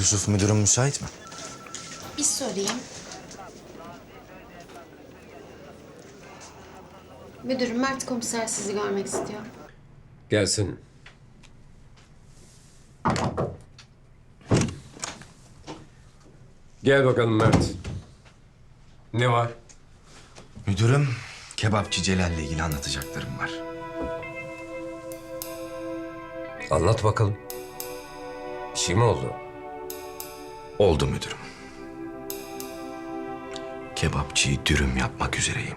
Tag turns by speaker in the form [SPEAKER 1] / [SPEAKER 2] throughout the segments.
[SPEAKER 1] Yusuf müdürüm müsait mi?
[SPEAKER 2] Bir sorayım. Müdürüm, Mert komiser sizi görmek istiyor.
[SPEAKER 3] Gelsin. Gel bakalım Mert. Ne var?
[SPEAKER 1] Müdürüm, kebapçı Celal'le ilgili anlatacaklarım var.
[SPEAKER 3] Anlat bakalım. Bir şey mi oldu?
[SPEAKER 1] Oldu müdürüm. Kebapçıyı dürüm yapmak üzereyim.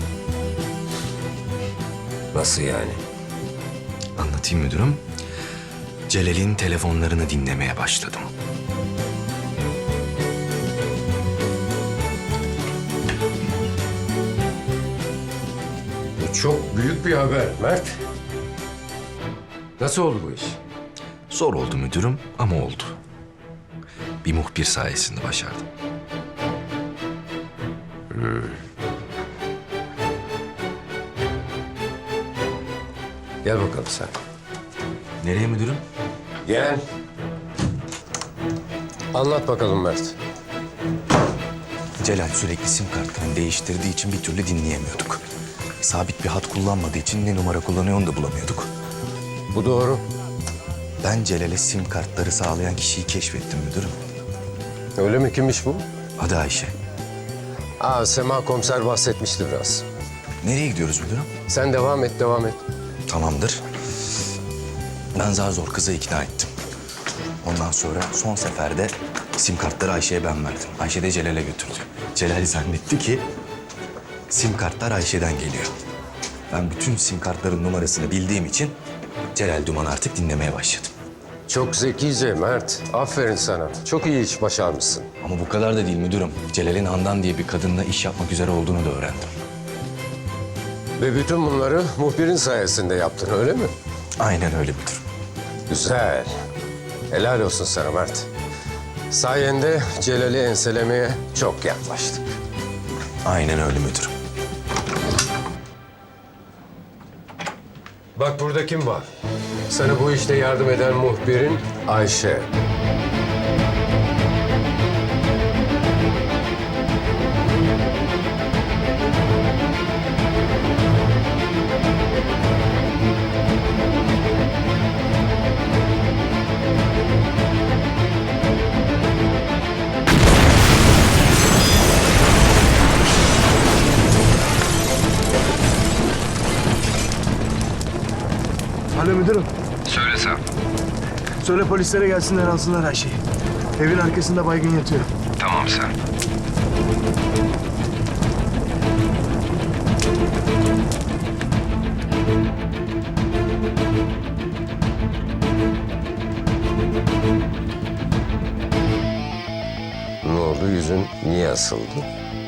[SPEAKER 3] Nasıl yani?
[SPEAKER 1] Anlatayım müdürüm. Celal'in telefonlarını dinlemeye başladım.
[SPEAKER 3] Bu çok büyük bir haber Mert. Nasıl oldu bu iş?
[SPEAKER 1] Zor oldu müdürüm ama oldu. Bir muhbir sayesinde başardım.
[SPEAKER 3] Gel bakalım sen.
[SPEAKER 1] Nereye müdürüm?
[SPEAKER 3] Gel. Anlat bakalım Mert.
[SPEAKER 1] Celal sürekli sim kartlarını değiştirdiği için bir türlü dinleyemiyorduk. Sabit bir hat kullanmadığı için ne numara kullanıyor onu da bulamıyorduk.
[SPEAKER 3] Bu doğru.
[SPEAKER 1] Ben Celal'e sim kartları sağlayan kişiyi keşfettim müdürüm.
[SPEAKER 3] Öyle mi? Kimmiş bu?
[SPEAKER 1] Adı Ayşe.
[SPEAKER 3] Sema komiser bahsetmişti biraz.
[SPEAKER 1] Nereye gidiyoruz müdürüm?
[SPEAKER 3] Sen devam et, devam et.
[SPEAKER 1] Tamamdır. Ben zar zor kızı ikna ettim. Ondan sonra son seferde sim kartları Ayşe'ye ben verdim. Ayşe de Celal'e götürdü. Celal zannetti ki sim kartlar Ayşe'den geliyor. Ben bütün sim kartların numarasını bildiğim için Celal Duman artık dinlemeye başladım.
[SPEAKER 3] Çok zekice Mert. Aferin sana. Çok iyi iş başarmışsın.
[SPEAKER 1] Ama bu kadar da değil müdürüm. Celal'in Handan diye bir kadınla iş yapmak üzere olduğunu da öğrendim.
[SPEAKER 3] Ve bütün bunları muhbirin sayesinde yaptın, öyle mi?
[SPEAKER 1] Aynen öyle müdürüm.
[SPEAKER 3] Güzel. Helal olsun sana Mert. Sayende Celal'i enselemeye çok yaklaştık.
[SPEAKER 1] Aynen öyle müdürüm.
[SPEAKER 3] Bak burada kim var? Sana bu işte yardım eden muhbirin Ayşe.
[SPEAKER 4] Alo müdürüm.
[SPEAKER 5] Söyle sen.
[SPEAKER 4] Söyle polislere gelsinler alsınlar her şeyi. Evin arkasında baygın yatıyor.
[SPEAKER 5] Tamam sen.
[SPEAKER 3] Ne oldu? Yüzün niye asıldı?